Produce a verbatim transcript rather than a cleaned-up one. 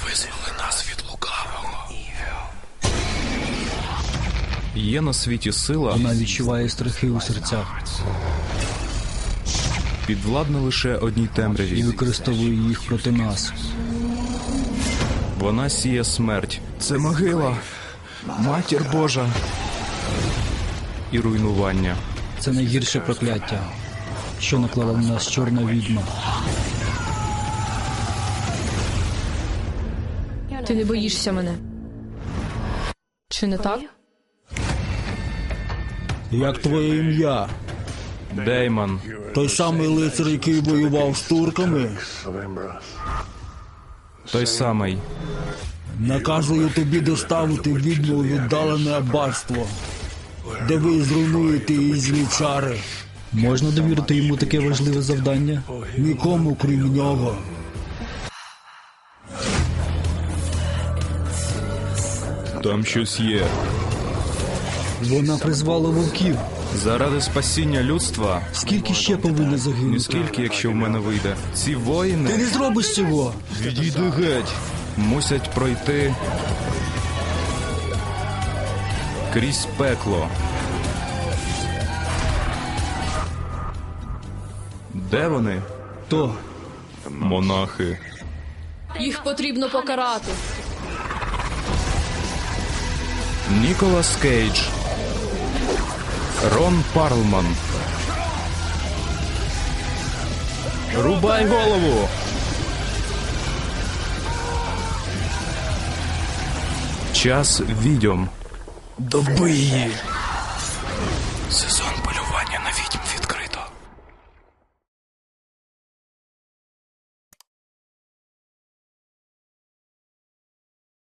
визволи нас від лукавого. Є на світі сила, Вона відчуває страхи у серцях підвладна лише одній і темряві. використовує їх проти нас. Вона сіє смерть. Це могила, матір Божа і руйнування. Це найгірше прокляття, що наклала на нас чорна відьма. Ти не боїшся мене? Чи не так? Як твоє ім'я? Деймон. Той самий лицар, який воював з турками? Той самий. Наказую тобі доставити відьму у віддалене аббатство, де ви зруйнуєте її злі чари. Можна довірити йому таке важливе завдання? Нікому, крім нього. Там щось є. Вона призвала вовків. Заради спасіння людства, Скільки ще повинно загинути? ніскільки, якщо в мене вийде. Ці Ти воїни не зробиш цього! відійди геть. Мусять пройти крізь пекло. Де вони? То Монахи. Їх потрібно покарати. Ніколас Кейдж. Рон Парлман. Рубай голову! Час відьом. Доби її. Сезон полювання на відьм відкрито.